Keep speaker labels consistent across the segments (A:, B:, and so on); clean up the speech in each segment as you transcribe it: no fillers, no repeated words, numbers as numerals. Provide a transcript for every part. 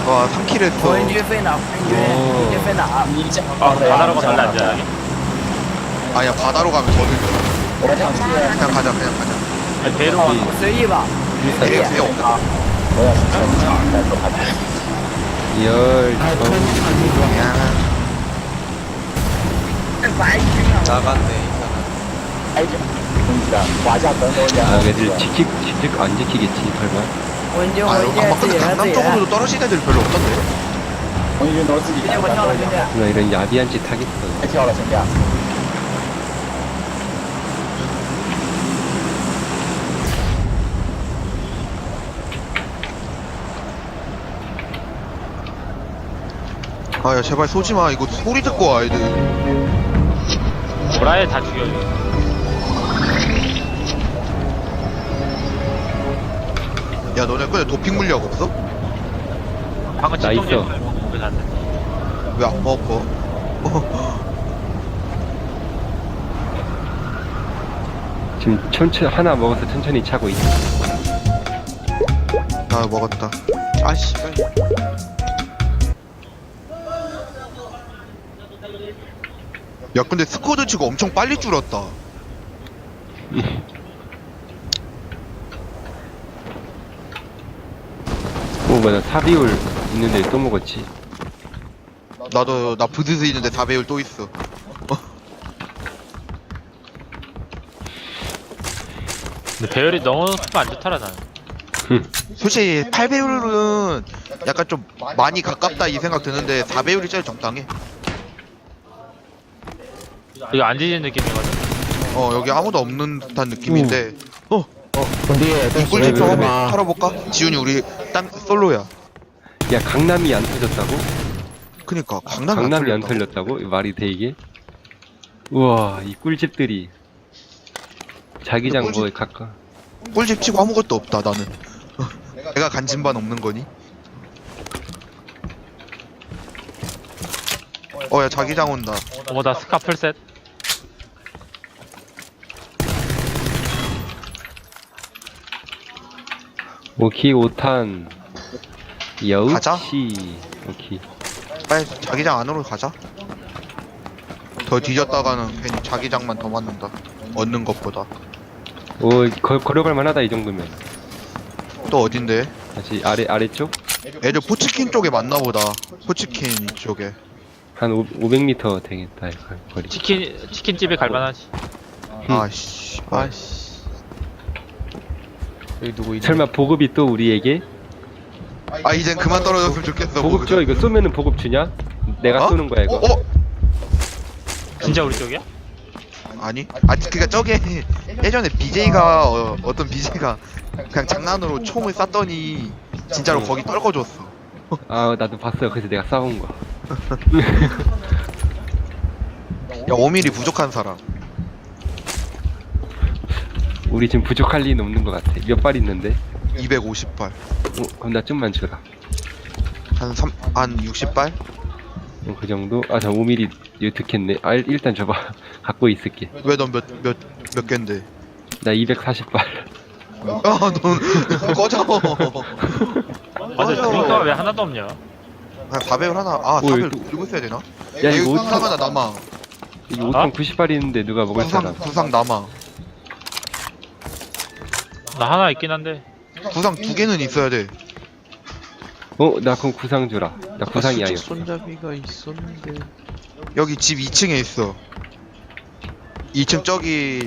A: 와 3킬
B: 我人
A: 했어.
B: 军飞哪？人军飞哪？
C: 아 바다로 가면 달래 안전하게?
A: 아니야 바다로 가면 더 늦어. 그냥 가자 그냥 가자.
C: 아니 배로
B: 我随意吧。
A: 배에 그게 없다.
D: 열
A: 그냥
E: 나갔네
D: 아 애들 지킬 안 지키겠지 설마
B: 我人军，我
A: 아
B: 人
A: 아마
B: 军自
A: 근데
B: 己人自
A: 강남
B: 己人。
A: 쪽으로도 떨어진 애들 별로 없던데.
B: 兄弟，我跳了，兄弟。
D: 누나 이런 야비한 짓 하겠어
A: 아야 제발 쏘지마. 이거 소리 듣고 와 애들.
C: 보라에 다 죽여.
A: 야 너네 근데 도핑 물약 없어?
C: 방금
D: 나 있어.
C: 집중력 왜안 돼?
A: 왜 안 먹어?
D: 지금 천천히 하나 먹어서 천천히 차고 있어
A: 나 먹었다.
E: 아씨
A: 야 근데 스쿼드 치고 엄청 빨리 줄었다.
D: 뭐나 사비올 있는데 또 먹었지
A: 나도 나 부드스 있는데 4배율 또 있어.
C: 근데 배열이 너무 안 좋더라 나는.
A: 솔직히 8배율은 약간 좀 많이 가깝다 이 생각 드는데 4배율이 제일 적당해.
C: 이거 안 지진 느낌이거든.
A: 여기 아무도 없는 듯한 느낌인데
F: 근데
A: 꿀집 좀 한번
F: 마
A: 털어볼까? 지훈이 우리 딴 솔로야.
D: 야 강남이 안 터졌다고?
A: 그니까 강남이
D: 강남이 안
A: 털렸다.
D: 털렸다고? 말이 돼 이게? 우와 이 꿀집들이 자기장
A: 꿀집-
D: 뭐에 가까
A: 꿀집 치고 아무것도 없다 나는. 내가 간진반 없는 거니? 야 자기장 온다.
C: 어머 나 스카 풀셋.
D: 오키 5탄
A: 가자.
D: 여우치 오키
A: 빨리 자기장 안으로 가자. 더 뒤졌다가는 괜히 자기장만 더 맞는다. 얻는 것보다.
D: 오 걸어갈 만하다 이 정도면
A: 또 어딘데?
D: 다시 아래쪽?
A: 애들 포치킨 쪽에 맞나 보다. 포치킨 쪽에.
D: 한 500m 되겠다 이 거리
C: 치킨집에 갈만하지.
A: 아씨.
E: 아씨 여기 누구 있냐
D: 설마 보급이 또 우리에게?
A: 아 이젠 그만 떨어졌으면 좋겠어.
D: 보급 줘 이거 쏘면은 보급 주냐? 내가
A: 어?
D: 쏘는 거야 이거
C: 진짜 우리 쪽이야?
A: 아니 그니까 저게 예전에 BJ가 어떤 BJ가 그냥 장난으로 총을 쐈더니 진짜로 거기 떨궈줬어.
D: 아 나도 봤어요 그래서 내가 싸운 거야
A: 야 5mm 부족한 사람.
D: 우리 지금 부족할 리는 없는 것 같아 몇 발 있는데?
A: 250발.
D: 그럼 나 좀만 주라
A: 한 60발?
D: 그 정도? 아 저 5mm 이거 듣겠네 일단 줘봐 갖고 있을게
A: 왜 넌 몇 갠데?
D: 나 240발
A: 야넌 꺼져.
C: 아 근데 드링크가 왜 하나도 없냐?
A: 4배율 하나. 아 4배율 들고 있어야 되나?
D: 야 이거
A: 구상
D: 5탄
A: 하나 남아.
D: 이거 5탄 90발 있는데 누가 먹을 사람
A: 구상 남아.
C: 나 하나 있긴 한데.
A: 구상 2개는 있어야 돼.
D: 나 그럼 구상 주라 나 구상이야
E: 수직
D: 이거
E: 손잡이가 있었는데
A: 여기 집 2층에 있어. 2층 저기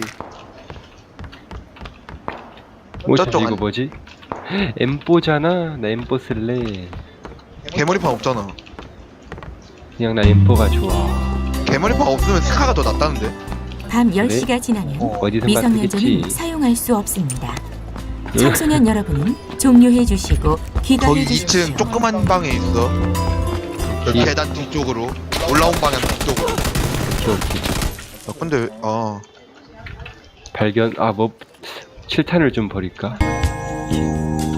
D: 잠시
A: 저쪽
D: 이거
A: 안-
D: 뭐지? 엠뽀잖아 나 엠뽀 쓸래
A: 개머리판 없잖아.
D: 그냥 나 엠뽀가 좋아
A: 개머리판 없으면 스카가 더 낫다는데.
G: 밤 10시가 지나면
D: 어디선가
G: 미성년자는
D: 쓰겠지
G: 사용할 수 없습니다. 청소년 여러분은 종료해 주시고
A: 거기
G: 귀가해 주십시오.
A: 2층 조그만 방에 있어. 여기
D: 이-
A: 계단 뒤쪽으로 올라온 방향 뒤쪽으로.
D: 오케이.
A: 근데
D: 발견 뭐 7탄을 좀 버릴까?